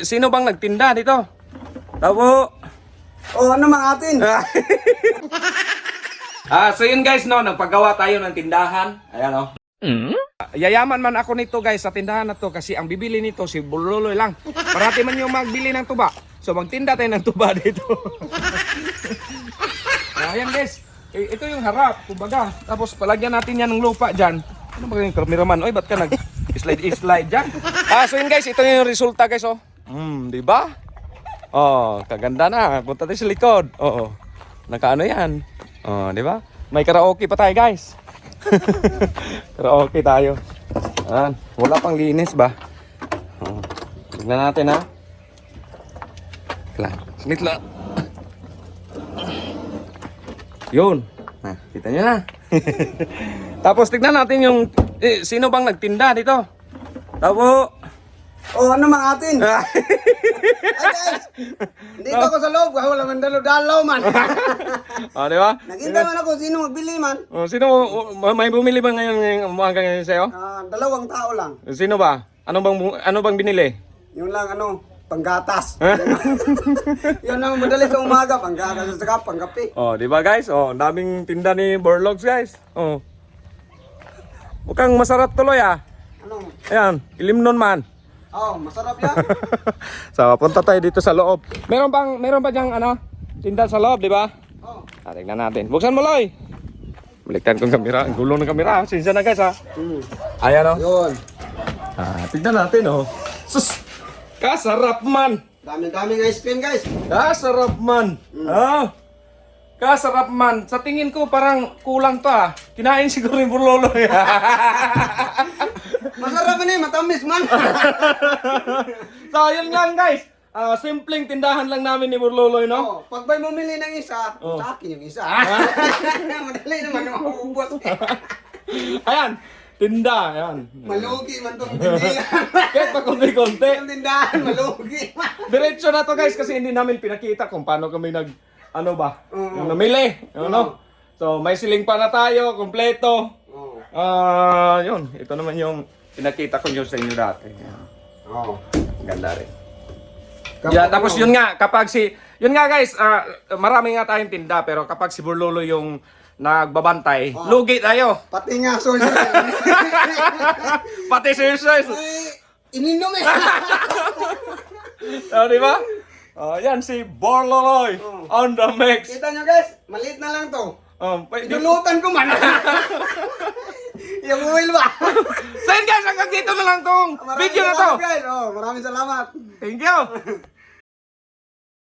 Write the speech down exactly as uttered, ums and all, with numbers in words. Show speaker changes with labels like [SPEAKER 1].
[SPEAKER 1] Eh, sino bang nagtinda dito? Tabo.
[SPEAKER 2] Oh, ano mga atin?
[SPEAKER 1] Ah, so yun guys, no, nagpagawa tayo ng tindahan. Ayan, no. Mm? Yayaman man ako nito guys sa tindahan na to kasi ang bibili nito si Buloloy lang. Parati man yung magbili ng tuba. So magtinda tayo ng tuba dito. Ayan guys, eh, ito yung harap, kumbaga. Tapos palagyan natin yan ng lupa dyan. Ano ba yung kameraman? Oy, ba't ka nag-slide-slide dyan? Ah, so yun guys, ito yung resulta guys, oh. Hmm, di ba? Oh, kaganda na. Punta tayo sa likod. Oo. Nakaano yan? Oh, di ba? May karaoke pa tayo, guys. Karaoke tayo. Ayan. Wala pang linis ba? Oh. Tignan natin, ha? Lang. Snit lang. Yun. Nah, kita nyo na. Tapos tignan natin yung eh, sino bang nagtinda dito? Tabo.
[SPEAKER 2] Oh, ano mga atin? Ay guys, dito ako sa loob, wala man dalo-dalaw man.
[SPEAKER 1] Oh, di ba?
[SPEAKER 2] Nakita man ako sino magbili man.
[SPEAKER 1] Oh, sino oh, may bumili ba ngayon ngayong umaga ngayon sa'yo?
[SPEAKER 2] Ah, dalawang tao lang.
[SPEAKER 1] Sino ba? Ano bang bu- ano bang binili?
[SPEAKER 2] Yung lang ano, panggatas. Yun ang madali sa umaga, panggatas at saka pangkape.
[SPEAKER 1] Oh, di ba guys? Oh, ang daming tinda ni Borlogs guys. Oh. Mukhang masarap tuloy ah.
[SPEAKER 2] Ano?
[SPEAKER 1] Ayan, ilimnon man.
[SPEAKER 2] Oh, masarap yan.
[SPEAKER 1] So, punta tayo dito sa loob. Meron bang meron ba diyang ano? Tinda sa loob, di ba?
[SPEAKER 2] Oh.
[SPEAKER 1] Ah, tingnan natin. Buksan mo, Loy. Baliktan kong kamera. Ang gulo ng kamera. Sinsya na guys ha.
[SPEAKER 2] Hmm.
[SPEAKER 1] Ayan oh.
[SPEAKER 2] Yun.
[SPEAKER 1] Ah, tignan natin oh. Sus! Kasarap man!
[SPEAKER 2] Dami-dami guys, pin guys.
[SPEAKER 1] Kasarap man! Ah! Kasarap man! Sa tingin ko parang kulang to ah. Kinain siguro yung burlolo.
[SPEAKER 2] Masarap man eh, matamis man.
[SPEAKER 1] So yun lang guys. Ah, simpleng tindahan lang namin ni Burloloy, no?
[SPEAKER 2] Oh, pag may bumili ng isa,
[SPEAKER 1] Oh.
[SPEAKER 2] sa akin yung isa. Madali naman maubos.
[SPEAKER 1] Ayan! Tinda! Ayan.
[SPEAKER 2] Malugi man itong tindahan.
[SPEAKER 1] Kahit pa konti-konti.
[SPEAKER 2] Yung tindahan, malugi.
[SPEAKER 1] Diretso na to guys kasi hindi namin pinakita kung paano kami nag... Ano ba?
[SPEAKER 2] Oo.
[SPEAKER 1] Yung namili. Ano? So may siling pa na tayo, kompleto.
[SPEAKER 2] Oh.
[SPEAKER 1] Ah, yun. Ito naman yung pinakita ko yun sa inyo dati. Ayan.
[SPEAKER 2] Oh.
[SPEAKER 1] Ganda rin. Yeah, tapos yun nga, kapag si... Yun nga guys, ah, marami nga tayong tinda pero kapag si Burlolo yung nagbabantay,
[SPEAKER 2] Oh.
[SPEAKER 1] lugi tayo.
[SPEAKER 2] Pati nga, sorry.
[SPEAKER 1] Pati si Jesus.
[SPEAKER 2] Ay, ininom eh.
[SPEAKER 1] Oh, di ba? Oh, yan si Burloloy
[SPEAKER 2] Oh.
[SPEAKER 1] on the mix.
[SPEAKER 2] Kita nyo guys, maliit na lang to.
[SPEAKER 1] Um, pa-
[SPEAKER 2] Dulutan ko man. Yung oil ba?
[SPEAKER 1] So yun guys, hanggang dito na lang tong
[SPEAKER 2] Maraming
[SPEAKER 1] video na to.
[SPEAKER 2] salamat, guys. Oh, maraming salamat.
[SPEAKER 1] Thank you.